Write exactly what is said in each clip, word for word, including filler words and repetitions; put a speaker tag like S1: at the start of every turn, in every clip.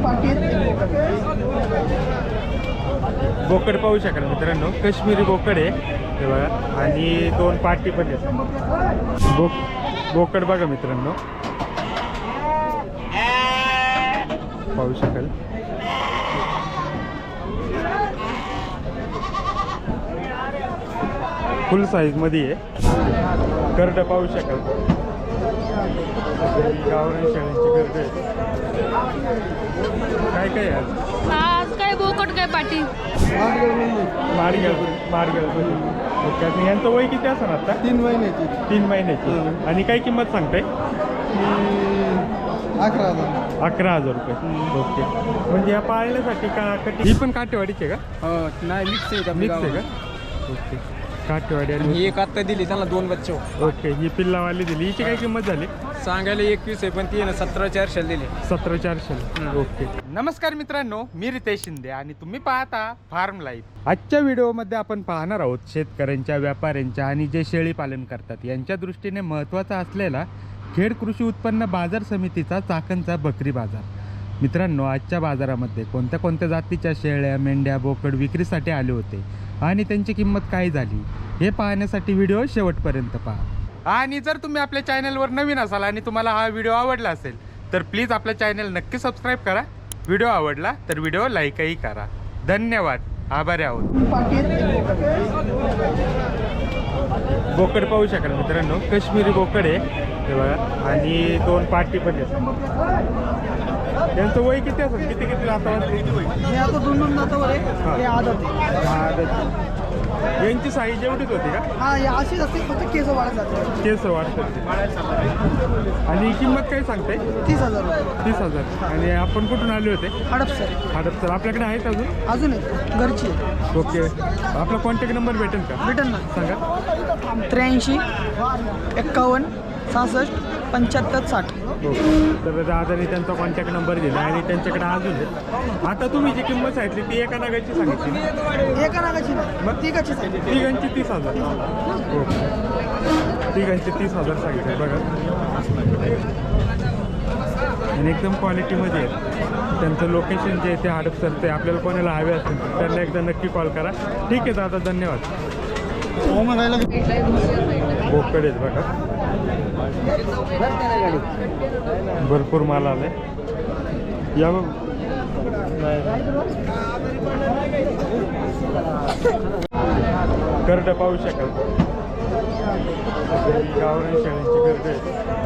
S1: पाटी आहेत.
S2: बोकड पाहू शकाल मित्रांनो, काश्मीरी बोकड आहे हे बघा, आणि दोन पाटी पण आहेत. बोक बोकड बघा मित्रांनो, पाहू शकाल. फुल साईज मध्ये आहे. करड पाहू शकाल, गावरान शेळ्यांची करड आहे. काय काय आहे आज?
S3: आज काय बोकड काय पाटी
S2: मारगळ मारगळ ओके. आणि यांचं वय किती असं आता?
S1: तीन महिन्याची.
S2: तीन महिन्याची. आणि काय किंमत सांगताय?
S1: अकरा हजार.
S2: अकरा हजार रुपये. ओके. म्हणजे या पाळण्यासाठी का कटी ही पण काटेवाडीची आहे का?
S1: नाही मिक्स आहे का?
S2: मिक्स आहे का? ओके. काटेवाडी आणि
S1: ही एक आत्ता दिली त्यांना दोन बच्चे.
S2: ओके. ही पिल्लावाली दिली. हिची काय किंमत झाली?
S1: सांगायला एकवीस आहे पण ती ना सतरा चारशे दिली.
S2: सतरा चारशे. ओके. नमस्कार मित्रांनो, मी रितेश शिंदे आणि तुम्ही पाहता फार्म लाईफ. आजच्या व्हिडिओमध्ये आपण पाहणार आहोत शेतकऱ्यांच्या, व्यापाऱ्यांच्या आणि जे शेळी पालन करतात यांच्या दृष्टीने महत्त्वाचा असलेला खेड कृषी उत्पन्न बाजार समितीचा चाकणचा बकरी बाजार. मित्रांनो, आजच्या बाजारामध्ये कोणत्या कोणत्या जातीच्या शेळ्या, मेंढ्या, बोकड विक्रीसाठी आले होते आणि त्यांची किंमत काय झाली हे पाहण्यासाठी व्हिडिओ शेवटपर्यंत पहा. आणि जर तुम्ही आपल्या चॅनलवर नवीन असाल आणि तुम्हाला हा व्हिडिओ आवडला असेल तर प्लीज आपल्या चॅनल नक्की सबस्क्राईब करा. व्हिडिओ आवडला तर व्हिडिओ लाईकही करा. धन्यवाद. आभारी आहोत. बोकड पाहू शकाल मित्रांनो, काश्मीरी बोकड आहे हे बघा, आणि दोन पाटी पण आहेत. यांचं वय किती असेल? किती किती दातावर?
S1: हे आता दोन दोन दातावर आहे. हे आदत आहे.
S2: आदत. यांची साईज एवढीच होती का?
S1: हा हे अशीच असते, फक्त केस वाढत जाते.
S2: केस वाढतात. आणि किंमत काय सांगताय?
S1: तीस हजार रुपये.
S2: तीस हजार. आणि आपण कुठून आले होते?
S1: हडपसर.
S2: हडपसर. आपल्याकडे आहेत अजून?
S1: अजून आहे घरची आहे.
S2: ओके. आपला कॉन्टॅक्ट नंबर भेटेल का?
S1: भेटेल ना.
S2: सांगा.
S1: त्र्याऐंशी एक्कावन्न सहासष्ट पंच्याहत्तर साठ.
S2: ओके. तर दादाने त्यांचा कॉन्टॅक्ट नंबर दिला आणि त्यांच्याकडे अजून आहे. आता तुम्ही जी किंमत सांगितली ती एका नागाची सांगितली?
S1: एका नागाची नाही,
S2: मग
S1: तिघाची सांगितली.
S2: तिघांची तीस हजार. ओके. तिघांची तीस हजार सांगितले बघा, आणि एकदम क्वालिटीमध्ये आहेत. त्यांचं लोकेशन जे आहे ते हडपसरचं आहे. आपल्याला कोणाला हवे असेल तर त्यांना एकदा नक्की कॉल करा. ठीक आहे दादा, धन्यवाद. बोकड आहेत बघा, भरपूर माल आलाय. या बघ. करड पाहू शकाल, गावरान शेळ्यांची करड आहे.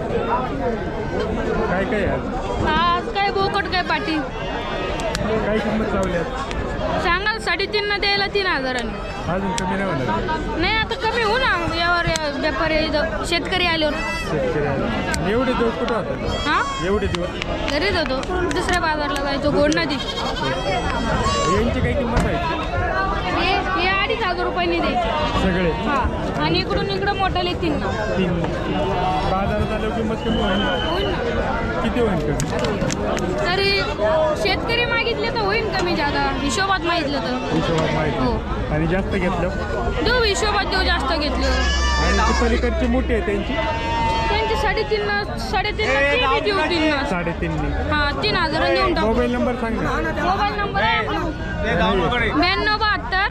S2: काय काय आहे आज?
S3: आज काय बोकड काय पाटी
S2: काय किंमत लावली आज?
S3: सांगाल साडेतीन न द्यायला तीन हजारांनी.
S2: अजून कमी नाही होणार?
S3: नाही आता कमी हो ना, यावर या व्यापारी इथं शेतकरी आल्यावर.
S2: शेतकरी आले. एवढे दिवस कुठं होतात?
S3: हा
S2: एवढे दिवस
S3: घरीच होतो, दुसऱ्या बाजारला जायचो गोड नदी.
S2: यांची काही किंमत आहे?
S3: हे हे अडीच हजार रुपयांनी द्यायचे
S2: सगळे?
S3: हा. आणि इकडून इकडं मोठाले तीन ना.
S2: तीन. बाजारात आल्यावर किंमत कमी होईल?
S3: होईल ना.
S2: किती होईल कमी?
S3: तरी शेतकरी मागितले तर होईल कमी जादा, हिशोबात मागितलं तर.
S2: हिशोबात माहिती.
S3: हो.
S2: आणि जास्त घेतलं?
S3: देऊ हिशोबात देऊ, जास्त घेतलं.
S2: आणि ती पलीकडची मोठी आहे त्यांची?
S3: त्यांची साडेतीन न साडेतीन न ती बी देऊ तीन न.
S2: साडेतीननी.
S3: हा तीन हजार देऊन टाकू.
S2: मोबाईल नंबर सांग ना.
S3: मोबाईल नंबर आहे ब्याण्णव बहात्तर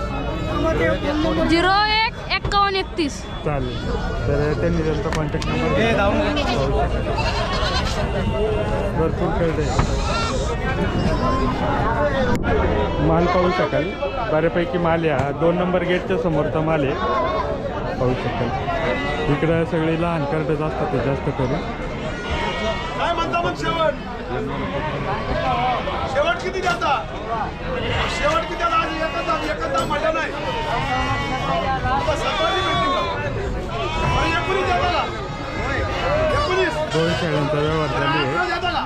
S3: झिरो एक एक्कावन्न एकतीस.
S2: चालेल. तर त्यांनी त्यांचा कॉन्टॅक्ट नंबर भरपूर खेळत आहे. माल पाहू शकाल, बऱ्यापैकी माल या दोन नंबर गेटच्या समोरचा माल आहे, पाहू शकाल. इकडं सगळे लहान कर्डच असतात ते जास्त करून.
S4: काय म्हणता मग शेवट? शेवट किती द्याचा? शेवट किती द्याचा? आज एकच आज एकच दाम म्हटलं नाही. सकाळी भेटली का? आणि एकोणीस द्याचा का? एकोणीस.
S2: दोन शेळ्यांचा व्यवहार झाली आहे.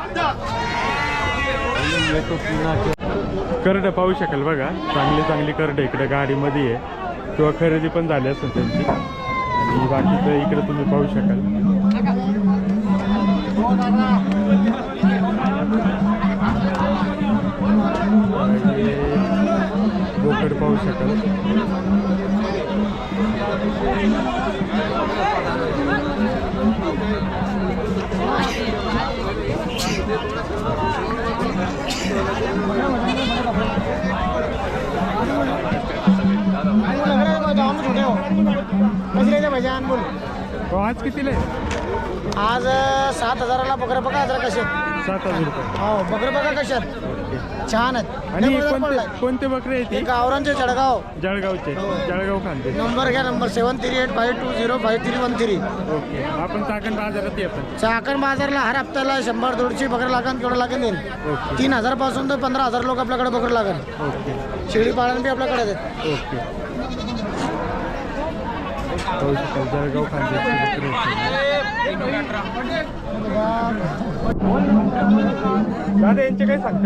S2: करडं पाहू शकाल बघा, चांगली चांगली करडं इकडे गाडीमध्ये आहे किंवा खरेदी पण झाली असेल त्यांची. आणि बाकीचं इकडे तुम्ही पाहू शकाल. बोकड पाहू शकाल.
S1: कशी द्यायचं भैजान बोल.
S2: हो, आज कितीला आहे?
S1: आज अं, सात हजाराला बकरं बघा जरा कशात.
S2: सात हजार रुपये.
S1: हो बकरं बघा कशात छान आहेत.
S2: आणि
S1: लय बाजार
S2: कोणते
S1: पडलाय.
S2: कोणते बकरे आहेत
S1: ते
S2: ती?
S1: गावरांचे जळगाव.
S2: जळगावचे. जळगाव खांदे.
S1: नंबर घ्या number seven three eight five two zero five three one three.
S2: Okay. आपण चाकण बाजारात येतो.
S1: चाकण बाजारला हर हप्त्याला शंभर दोनशे बकरं लागेल केवढं लागेल देईल.
S2: ओके.
S1: तीन हजार पासून तर पंधरा हजार लोक आपल्याकडे बकरं लागेल.
S2: ओके.
S1: शेळी पालन बी आपल्याकडे आहेत.
S2: ओके. पाहू शकाल जळगाव खांद्याचे बकरे आहेत. दादा यांचे काय सांगते?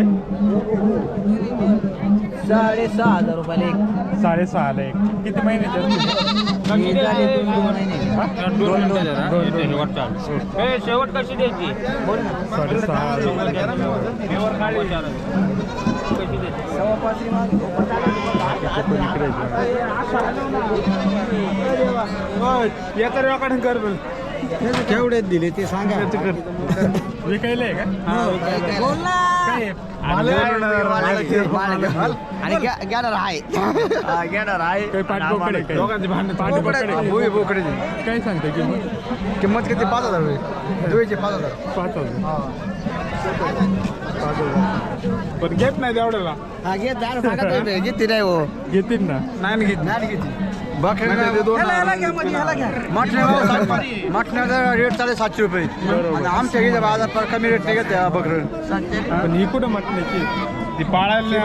S1: साडेसहा हजार रुपयाला एक.
S2: साडेसहाला एक. किती महिन्याचे असतील? हा? दोन दोन दोन.
S5: शेवट कशी द्यायची
S2: साडेसहा
S1: केवढे दिले ते सांगा.
S2: विकायला आहे का? काय आहे?
S1: आणि घेणार आहे घेणार आहे.
S2: काही पाठबोकडे पाठबोकडे
S1: बोकडे
S2: काय सांगते किंमत?
S1: किंमत किती? पाच हजार रुपये दुईचे पाच हजार.
S2: पाच हजार. पाच हजार. पण घेत नाही तेवढ्याला.
S1: हा घेत जा सांगा घेते नाही हो.
S2: घेतील ना.
S1: नाही घेत नाही घेते. मटण्याचा रेट चालेल सातशे रुपये. आणि आमच्या इथे बाजार पर कमी रेट नाही घेत बकरं.
S2: पण ही कुठं म्हटण्याची ती पाळायला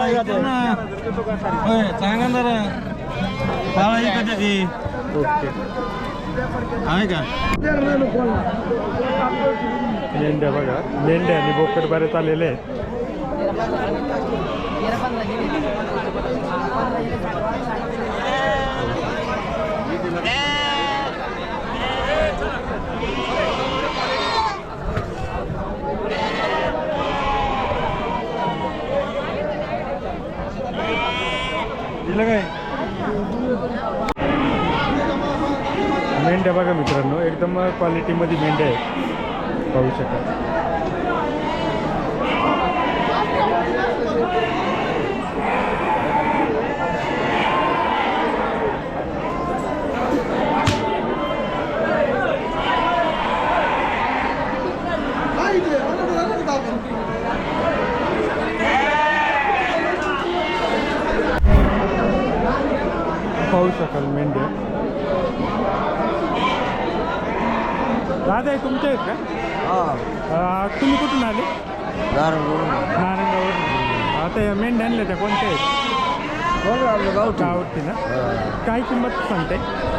S1: सांगा जरा पाळायची कधी
S2: ओके.
S1: आहे का?
S2: मेंढ्या बघा. मेंढ्या आणि बोकड बरेच आलेले आहेत. दिलं काय? मेंढ्या बघा मित्रांनो, एकदम क्वालिटीमध्ये मेंढ्या आहेत. पाहू शकाल. पाहू शकाल मेंढ्या. दादा हे तुमचे आहेत का? अं, तुम्ही कुठून आले? नारायणगाववरून. आता या मेंढ्या आणल्या त्या कोणत्या आहेत? गावठी ना. काय किंमत सांगते?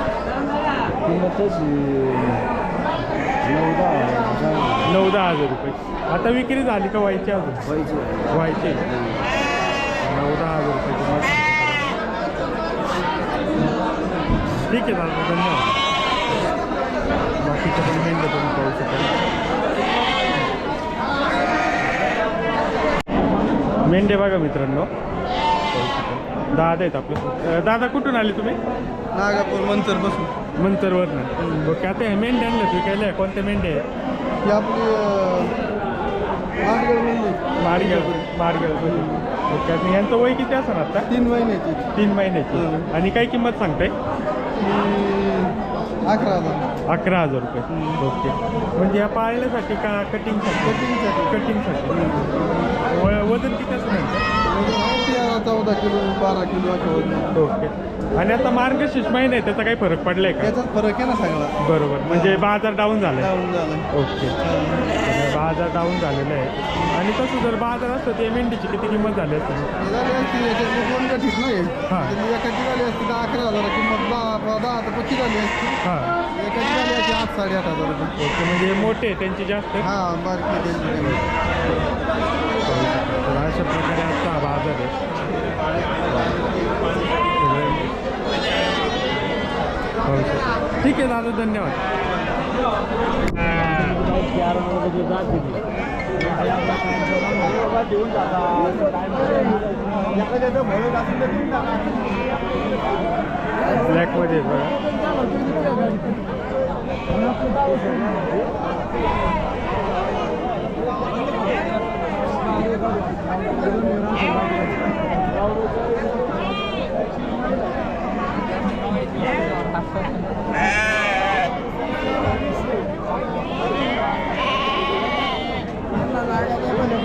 S2: नऊ दहा हजार रुपये. आता विक्री झाली का व्हायची अजून? व्हायची. नऊ दहा हजार रुपये किंमत. ठीक आहे दादा, धन्यवाद. बाकीच्या पण मेंढ्या तुम्ही पाहू शकाल. मेंढ्या बघा मित्रांनो. दादा आहेत आपलं. दादा कुठून आले तुम्ही?
S1: नागापूर मंचर बसून.
S2: मंचरवरनं. ओके. आता हे मेंढ्या आणल्या विकायला कोणत्या मेंढ्या आहेत?
S1: ही आपली
S2: माडगेळ माडगेळ. ओके. आणि यांचं वय किती असं आता?
S1: तीन महिन्याची.
S2: तीन महिन्याची. आणि काय किंमत सांगताय?
S1: अकरा हजार.
S2: अकरा हजार रुपये. ओके. म्हणजे या पाळण्यासाठी का कटिंगसाठी?
S1: कटिंगसाठी.
S2: कटिंगसाठी. व वजन किती असं नाही?
S1: चौदा किलो बारा किलो असं होत.
S2: ओके. आणि आता मार्गशीर्ष महिना आहे, त्याचा काही फरक पडलाय का?
S1: याचाच फरक आहे ना सगळा.
S2: बरोबर. म्हणजे बाजार डाऊन झाला.
S1: डाऊन झालं.
S2: ओके. बाजार डाऊन झालेला आहे. आणि तसं जर बाजार असतं ते मेंढीची किती किंमत झाली असते?
S1: झाली असती याच्यात दोन गठीत नाही.
S2: हां.
S1: एकाची झाली असती तर अकरा हजार किंमत. दहा दहा तर पक्की झाली असती.
S2: हां.
S1: एकाची झाली असती आठ साडेआठ हजार रुपये.
S2: ओके. म्हणजे मोठे आहे, त्यांची जास्त.
S1: हां बारकी त्यांची.
S2: तर अशा प्रकारे आजचा हा बाजार आहे. ठीक आहे दादा, धन्यवाद. ब्लॅकमध्ये बघा.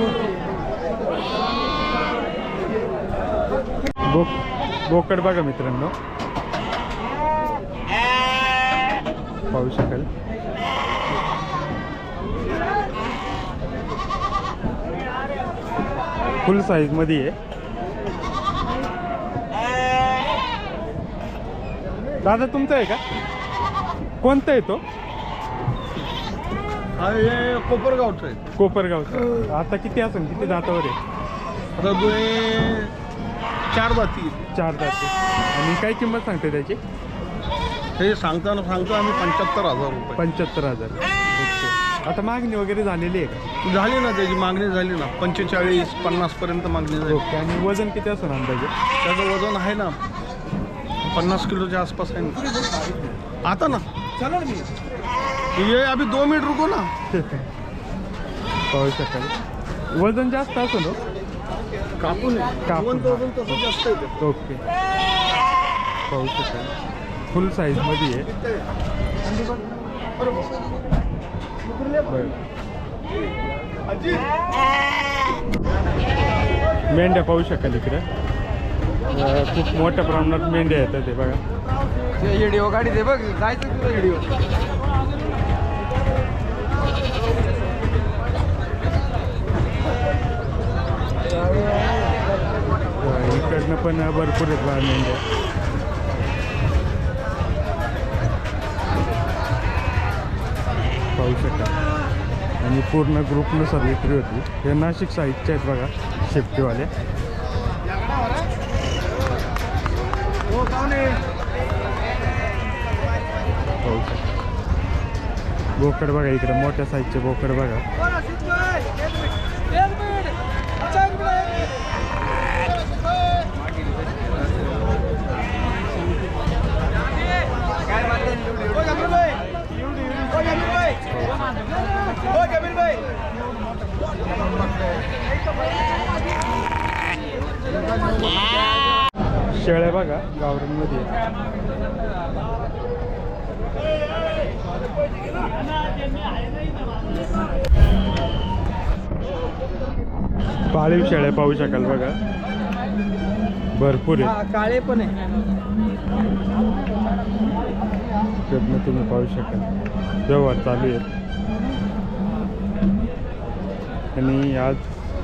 S2: बोक बोकड बघा मित्रांनो, पाहू शकाल. फुल साईज मध्ये आहे. दादा तुमचा आहे का? कोणता आहे तो?
S1: हा हे कोपरगावचं आहे.
S2: कोपरगावचा. आता किती असेल, किती दातावर आहे?
S1: आता दोन्ही चार बाती
S2: चार दाते. आणि काय किंमत सांगते त्याची?
S1: हे सांगताना सांगतो आम्ही पंच्याहत्तर हजार रुपये.
S2: पंच्याहत्तर हजार. ओके. आता मागणी वगैरे झालेली आहे का?
S1: झाली ना, त्याची मागणी झाली ना, पंचेचाळीस पन्नास पर्यंत मागणी झाली.
S2: ओके. आणि वजन किती असेल अंदाजे?
S1: त्याचं वजन आहे ना पन्नास किलोच्या आसपास आहे ना. आता ना चला मी ये अभी दो मिनिट रुको ना.
S2: पाहू शकाल. वजन जास्त असं ना?
S1: कापून
S2: कापून.
S1: वजन तसं जास्त आहे.
S2: ओके. पाहू शकाल फुल साईज मध्ये आहे. बरं. मेंढ्या पाहू शकाल इकडे. अं, खूप मोठ्या प्रमाणात मेंढ्या येतात ते बघा.
S1: व्हिडिओ गाडी दे बघ, जायचं तुझा व्हिडिओ.
S2: इकडनं पण भरपूर आहेत बघा मेंढ्या. पाहू शकाल. आणि पूर्ण ग्रुपनुसार विक्री होती. हे नाशिक साईडचे आहेत बघा शेफ्टीवाले. पाहू शकाल. बोकड बघा इकडे, मोठ्या साईजचे बोकड बघा. शेळ्या बघा गावरांमध्ये. पाळीव शेळ्या पाहू शकाल बघा, भरपूर आहे.
S1: काळे पण आहे.
S2: त्यातनं तुम्ही पाहू शकाल व्यवहार चालू आहेत. आणि आज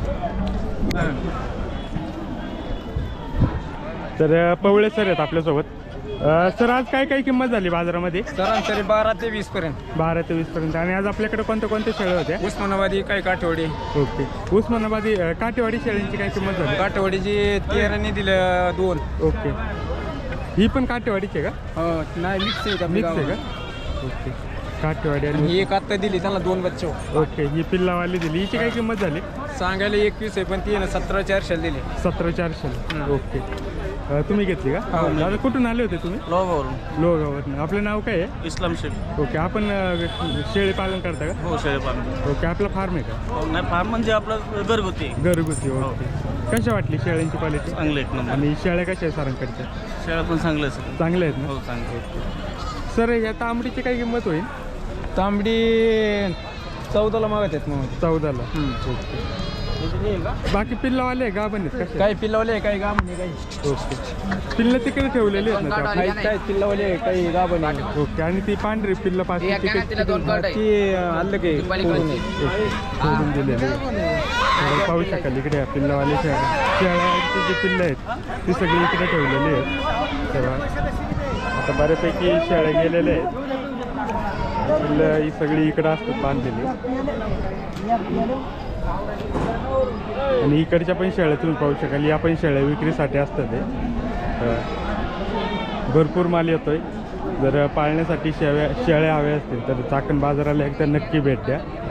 S2: तर पवळे सर आहेत आपल्यासोबत. अ, सर आज काय काय किंमत झाली बाजारामध्ये?
S5: सरासरी बारा ते वीस पर्यंत.
S2: बारा ते वीस पर्यंत. आणि आज आपल्याकडे कोणत्या कोणत्या शेळ्या होत्या?
S5: उस्मानाबादी काही काठवडी.
S2: ओके. उस्मानाबादी अ, काटेवाडी शेळ्यांची काय किंमत झाली?
S5: काठवडीची तेराने दिलं दोन.
S2: ओके. ही पण काटेवाडीची आहे का?
S5: हो नाही मिक्स आहे
S2: मिक्स आहे का? ओके. काटेवाडी आणि
S5: ही एक आत्ता दिली त्यांना दोन बच्चे.
S2: ओके. ही पिल्लावाली दिली. हिची काय किंमत झाली?
S5: सांगायला एकवीस आहे पण ती ना सतरा चारशे दिली.
S2: सतरा चारशे.
S5: हं.
S2: ओके. अ, तुम्ही घेतली का?
S5: हो, मी.
S2: दादा कुठून आले होते तुम्ही?
S5: लोगावरून.
S2: लोगावरनं. आपलं नाव काय आहे?
S6: इस्लाम शेख.
S2: ओके. आपण अ, शेळी पालन करता का?
S6: हो शेळीपालन.
S2: ओके. आपला फार्म आहे का?
S6: हो नाही फार्म म्हणजे आपलं घरगुती आहे.
S2: घरगुती. ओके. कशा वाटली शेळ्यांची क्वालिटी?
S6: चांगले एक नंबर.
S2: आणि शेळ्या कशा आहे सरांकडच्या?
S6: शेळ्या पण चांगले असतात.
S2: चांगल्या आहेत
S6: हो
S2: ना?
S6: चांगले.
S2: सर या तांबडीची काय किंमत होईल?
S5: तांबडी चौदाला मागत आहेत मग.
S2: चौदाला. ओके. बाकी पिल्लावाले आहे गाभण आहेत कशा?
S5: काही पिल्लावले काही गाभणे काही.
S2: ओके. पिल्लं तिकडे ठेवलेली आहेत ना त्या?
S5: काही काही पिल्लावले काही गाभणे.
S2: ओके. आणि ती पांढरी पिल्लं पाच
S5: ती आलं काही
S2: सोडून दिलेली आहे. तर पाहू शकाल इकडे या पिल्लावाले शेळ्या शेळ्यांची जी पिल्लं आहेत ती सगळी इकडे ठेवलेली आहेत. तेव्हा आता बऱ्यापैकी शेळ्या गेलेल्या आहेत. पिल्लं ही सगळी इकडं असतात बांधलेली. आणि इकडच्या पण शेळ्या तुम्ही पाहू शकाल. या पण शेळ्या विक्रीसाठी असतात. ते भरपूर माल येतोय. जर पाळण्यासाठी शेळ्या शेळ्या हव्या असतील तर चाकण बाजाराला एकदा नक्की भेट द्या.